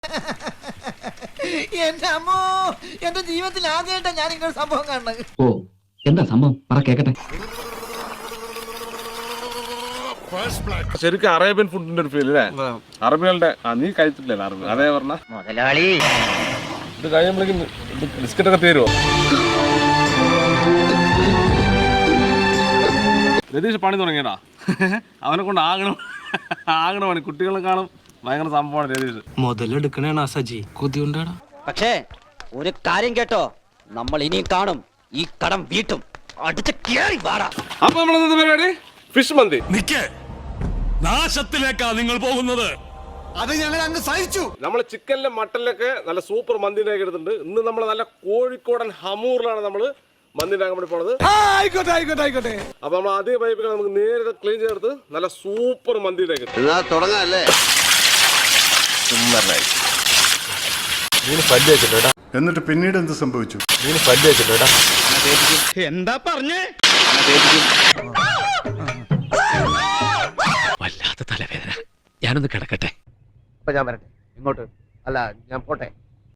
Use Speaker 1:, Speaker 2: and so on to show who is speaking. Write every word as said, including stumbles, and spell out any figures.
Speaker 1: എന്റെ അമ്മോ, എന്റെ ജീവിതത്തിൽ ആദ്യമായിട്ടാണ് ഞാൻ ഇങ്ങനെ സംഭവം കാണുന്നത്.
Speaker 2: ഓ, എന്താ സംഭവം പറ കേക്കട്ടെ.
Speaker 3: ശരിക്കും അറേബ്യൻ ഫുഡിന്റെ ഒരു ഫീൽ അല്ലേ? അറബികളുടെ നീ കഴിച്ചിട്ടില്ല അറബി? അതേ പറഞ്ഞ
Speaker 1: മുതലാളി
Speaker 3: ഇത് കഴിയുമ്പോഴേക്കും ബിസ്ക്കറ്റ് ഒക്കെ തരുമോ? രതീഷ് പണി തുടങ്ങിയടാ. അവനെ കൊണ്ട് ആകണം ആകണ പണി. കുട്ടികളെ കാണും ഭയങ്കര സംഭവമാണ് രതീഷ്.
Speaker 4: മുതലെടുക്കണേണ സജി കൊതിയുണ്ടാടാ.
Speaker 5: പക്ഷേ ഒരു കാര്യം കേട്ടോ, നമ്മൾ ഇനിയും കാണും, ഈ കടം വീട്ടും. അടിച്ച് കേറി വാടാ.
Speaker 3: അപ്പൊ നമ്മളെന്താ പരിപാടി? ഫിഷ് മന്തി.
Speaker 6: നിക്കേ, നാശത്തിലേക്കാ നിങ്ങൾ പോകുന്നത്.
Speaker 7: അത് ഞങ്ങൾ അങ്ങ് സഹിച്ചു.
Speaker 3: നമ്മള് ചിക്കനിലും മട്ടനിലൊക്കെ നല്ല സൂപ്പർ മന്തിനൊക്കെ എടുത്തിട്ടുണ്ട്. ഇന്ന് നമ്മൾ നല്ല കോഴിക്കോടൻ ഹമൂറിലാണ് നമ്മള് മന്തി ഉണ്ടാക്കാൻ വേണ്ടി പോണത്.
Speaker 7: ആയിക്കോട്ടെ ആയിക്കോട്ടെ ആയിക്കോട്ടെ.
Speaker 3: അപ്പൊ നമ്മൾ ആദ്യം പൈപ്പിൽ നമുക്ക് നേരെ ക്ലീൻ ചേർത്ത് നല്ല സൂപ്പർ മന്തിയിലേക്ക്
Speaker 7: തുടങ്ങാല്ലേ?
Speaker 8: എന്നിട്ട് പിന്നീട് എന്ത് സംഭവിച്ചു?
Speaker 7: എന്താ പറഞ്ഞേ?
Speaker 4: വല്ലാത്ത തലവേദന, ഞാനൊന്ന് കിടക്കട്ടെ.
Speaker 1: ഞാൻ വരട്ടെ. ഇങ്ങോട്ട് അല്ല, ഞാൻ പോട്ടെ.